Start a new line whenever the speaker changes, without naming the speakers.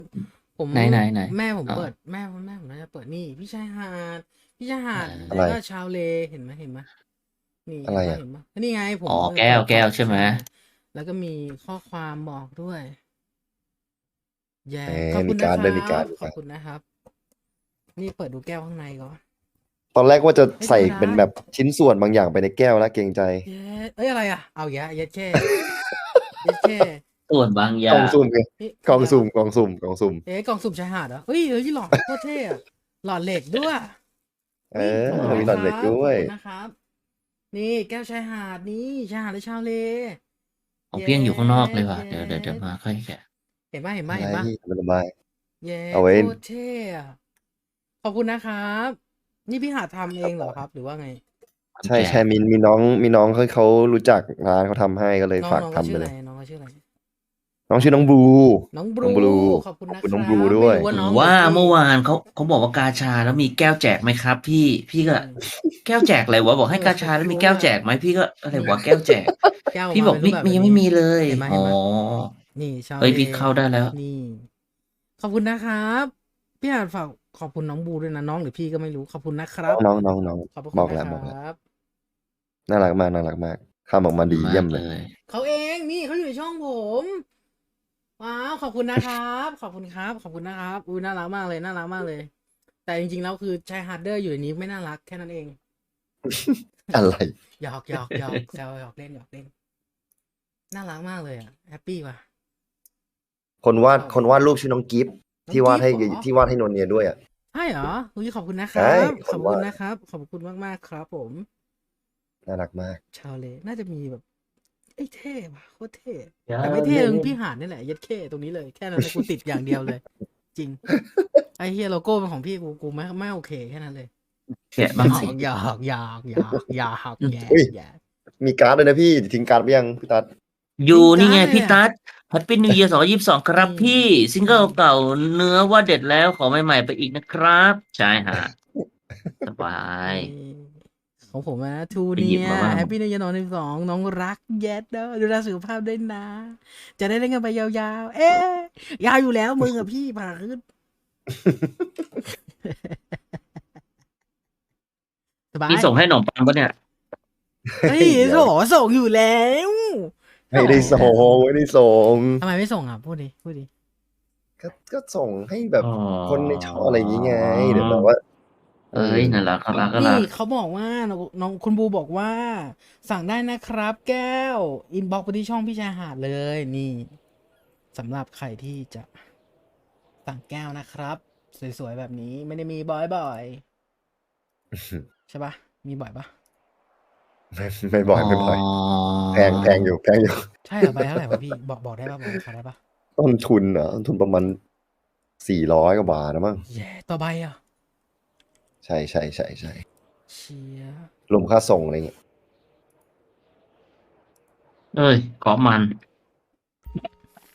ผม
ไหน
แม่ผม
อ๋อ
เปิดแม่ผมน่าจะเปิดนี่พี่ชายหาดพี่ชายหาด
อะไร
แล้วก็ชาวเลเห็นไหมนี่
อะไรอ่ะ
เห็นปะนี่ไงผ
อ๋อ
ม
แก้วแก้
เปิด
วใช่ไหม
ใช่แล้วก็มีข้อความบอกด้วยแย่
แห
ขอบ
มมีการ์ด
คุณนะครั
ด้วยมีการ์ด
บขอบคุณนะครับนี่เปิดดูแก้วข้างในก่อน
ตอนแรกว่าจะใส่
ไม่ธรรมดา
เป็นแบบชิ้นส่วนบางอย่างไปในแก้วแล้วเกรงใจ
เย้เอ้ยอะไรอ่ะเอาเย็ดแค่เย็ดแค่
ส่วนบางอ
กล่อง
ย่าง
สุ่มไง
นี่
กล่องสุ่
คืออะไรวะ
มกล่องสุ่มกล่องสุ่ม
เอ๊ะกล่องสุ่มชายหาดเหรอเฮ้ยหลอดโคตรเท่อะหลอดเหล็กด้วย
เอ
อุ้ยขอบคุณ
อมีหลอดเหล็ก
นะครับ
ด้วย
ขอบคุณนะครับ นี่แก้วชายหาดนี่ชายหาดหรือชาวเล
ของ
เย็
เพี้ยงอยู่ข้างนอกเลยว่ะ
เย็
เดี๋ยวมาค่อยแกะ
อะไร
เห็นปะ
พี่สบาย
เย็
เอาไว้
โคตรเท่อะขอบคุณนะครับนี่พี่หาทำเองเหรอครับหรือว่าไง
ใช่
แกะ
ใช่มีน้องเขารู้จักร้านเขาทำให้ก็เลย
น้อง
ฝาก
น้องเขาชื่ออะไร
ทำไปเลย
น้องเขาชื่ออะไร
น้องชื่อน้องบลู
น้องบลู
น้องบลู
ขอบคุณ
ขอบ
นะครั
คุณน้องบลู
บ
ด้วย
ไม่รู้ว่า
ถึง
น้องหรือ
ว่า
พี่
เมื่อวานเขาบอกว่ากาชาแล้วมีแก้วแจกไหมครับพี่ก็
อืม
แก้วแจกอะไรวะบอกให้กาชาแล้วมีแก้วแจกไหมพี่ก็อะไร
นี่
วะแก้วแจก
แก้วออก
พี่บอก
มาเป็นรูปแบบ
มันยัง
นี้
ไม่มีเลยอ๋อ
เห็นไหมนี่ชาวเล
เอ้ยพี่เข้าได้แล้ว
นี่ขอบคุณนะครับพี่หาดฝากขอบคุณน้องบลูด้วยนะน้องหรือพี่ก็ไม่รู้ขอบคุณนะครับ
น้อง
ขอบพระ
บอก
คุณนะครั
แล้วบอกแล้ว
บ
น่ารักมากน่ารักมากทำออกมาดี
มากเล
เยี่ยมเลย
ย
เขาเองนี่เขาอยู่ในช่องผมว้าวขอบคุณนะครับขอบคุณครับขอบคุณนะครับอุ้ยน่ารักมากเลยน่ารักมากเลย แต่จริงๆแล้วคือชายฮาร์ดเดอร์อยู่ในนี้ไม่น่ารักแค่นั้นเอง
อะไร
หยอกแซวหยอกเล่นน่ารักมากเลยอ่ะแฮปปี้ว่ะ
คนวาดรูปชื่อน้องกิฟต์
น้อง
ที่วาดให้
กิฟต์เหรอ
ที่วาดให้นนเนียด้วยอ่ะ
ใช่เหรออุ้ยขอบคุณนะครั
ใช่
บขอบคุณ
คนวาด
นะครับขอบคุณมากๆครับผม
น่ารักมาก
ชาวเลน่าจะมีแบบไอ้ยเท่ว่ะโคตรเท่
อย่า
แต่ไม่เท่
เล่น
ตรงพี่หาดนี่แหละยัดเข้ตรงนี้เลยแค่นั้นนะกูติดอย่างเดียวเลย จริง ไอ้เฮียโลโก้เป็นของพี่กูไม่โอเคแค่นั้นเลย
แกะบ้างสิ
แย่
อุ้ย
แย่
มีการ์ดด้วยนะพี่ทิ้งการ์ดไปยังพี่ตัด
อยู่นี่ไง
การ์ดเลยอ่ะ
พี่ตั๊ดแฮปปี้นิวเยียร์2022ครับ
นี่
พี่ซิงเกิลเก่าเนื้อว่าเด็ดแล้วขอใหม่ๆไปอีกนะครับใช่ฮะสบาย
นี่ของผมนะทู
ไป
เนีย
หยิบมาบ้าง
แฮปปี้นิวเยียร์12น้องรักแย็ดเด้อดูแลสุขภาพด้วยนะ จะได้เล่นกันไปยาวๆ เอ๊ะยาวอยู่แล้วมึงอะพี่ผ่าขึ้นสบา
พี่
ย
ส่งให้หนมปังปะเนี่ย
เฮ้ย
เดี๋ยว
ส่งอยู่แล้ว
ไม่ได้ส่งไม่ได้ส่ง
ทำไมไม่ส่งอ่ะพูดดิ
ก็ส่งให้แบบ
อ๋อ
คนในช่องอะไรอย่างงี้ไงเดี๋ยวแบบว่าเอ
เอ้ย
อ
น่ารักน่า
นี่
รัก
เขาบอกว่าน้องคุณบูบอกว่า สั่งได้นะครับแก้วอินบ็อกไปที่ช่องพี่ชายหาดเลยนี่สำหรับใครที่จะสั่งแก้วนะครับ สวยๆแบบนี้ไม่ได้มีบ่อยๆใช่ปะมีบ่อยปะ
ไม่บ่
อ๋อ
อยไม่บ่อยแพงอยู่
ใช่เหรอใบเท่าไหร่วะพี่บอกได้ปะบอกราคาได้ปะ
ต้นทุนเหรอต้นทุนประมาณ400 กว่าบาทนะมั้ง
แย่ต่อใบอ่ะ
ใช่
เชีย
รวมค่าส่งอะไรเงี้ย
เอ้ยเกาะมัน